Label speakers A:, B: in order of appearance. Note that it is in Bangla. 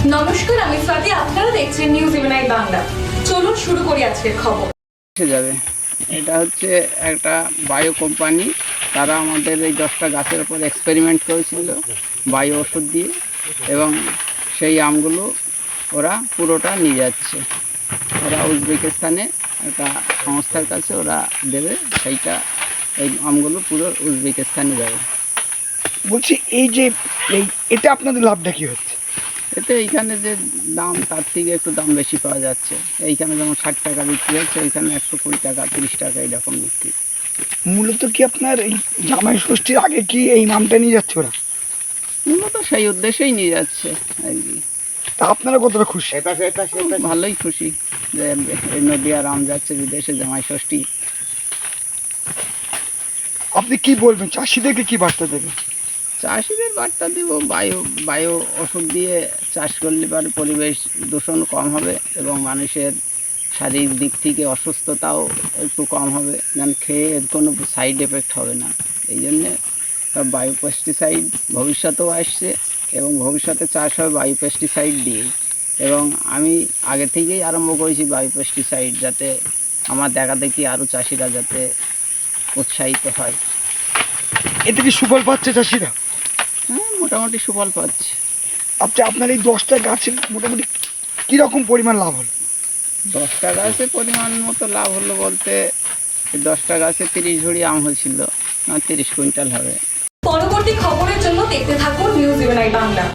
A: নমস্কার, আমি স্বাতি। আপনারা দেখছেন নিউজ ইভেনাই বাংলা। চলুন শুরু করি আজকের খবর।
B: যাবে এটা হচ্ছে একটা বায়ো কোম্পানি। তারা আমাদের এই 10টা গাছের উপর এক্সপেরিমেন্ট করেছিল বায়ো ওষুধ দিয়ে, এবং সেই আমগুলো ওরা পুরোটা নিয়ে যাচ্ছে। ওরা উজবেকিস্তানে একটা সংস্থার কাছে ওরা দেবে, সেইটা এই আমগুলো পুরো উজবেকিস্তানে যাবে।
C: বলছি এটা আপনাদের লাভটা কি হচ্ছে?
B: এতে এইখানে যে দাম তার থেকে একটু দাম বেশি পাওয়া যাচ্ছে। এইখানে যেমন 60 টাকা বিক্রি হচ্ছে, ওইখানে 120 টাকা 30 টাকা এরকম বিক্রি।
C: মূলত কি আপনার এই জামাই ষষ্ঠীর আগে কি এই নামটা নিয়ে যাচ্ছে ওরা?
B: মূলত সেই উদ্দেশ্যেই নিয়ে যাচ্ছে আর কি।
C: তা আপনারা কতটা খুশি?
B: ভালোই খুশি যে এই নদীয়ার আম যাচ্ছে বিদেশে জামাই ষষ্ঠী।
C: আপনি কি বলবেন, চাষিদেরকে কি বার্তা দেবেন?
B: চাষিদের বার্তা দিব, বায়ু ওষুধ দিয়ে চাষ করলে পরে পরিবেশ দূষণ কম হবে এবং মানুষের শারীরিক দিক থেকে অসুস্থতাও একটু কম হবে, যেন খেয়ে এর কোনো সাইড এফেক্ট হবে না। এই জন্যে বায়ো পেস্টিসাইড ভবিষ্যতেও আসছে এবং ভবিষ্যতে চাষ হবে বায়ো পেস্টিসাইড দিয়েই। এবং আমি আগে থেকেই আরম্ভ করেছি বায়ো পেস্টিসাইড, যাতে আমার দেখা দেখি আরও চাষিরা যাতে উৎসাহিত হয়।
C: এতে কি সুফল পাচ্ছে চাষিরা?
B: হ্যাঁ, মোটামুটি সুফল পাচ্ছে।
C: আপনার এই 10টা গাছে মোটামুটি কীরকম পরিমাণ লাভ হলো?
B: 10টা গাছে পরিমাণ মতো লাভ হলো বলতে, 10টা গাছে 30 ঝুড়ি আম হয়েছিল, 30 কুইন্টাল হবে।
A: পরবর্তী খবরের জন্য দেখতে থাকুন নিউজ ইভেনাই বাংলা।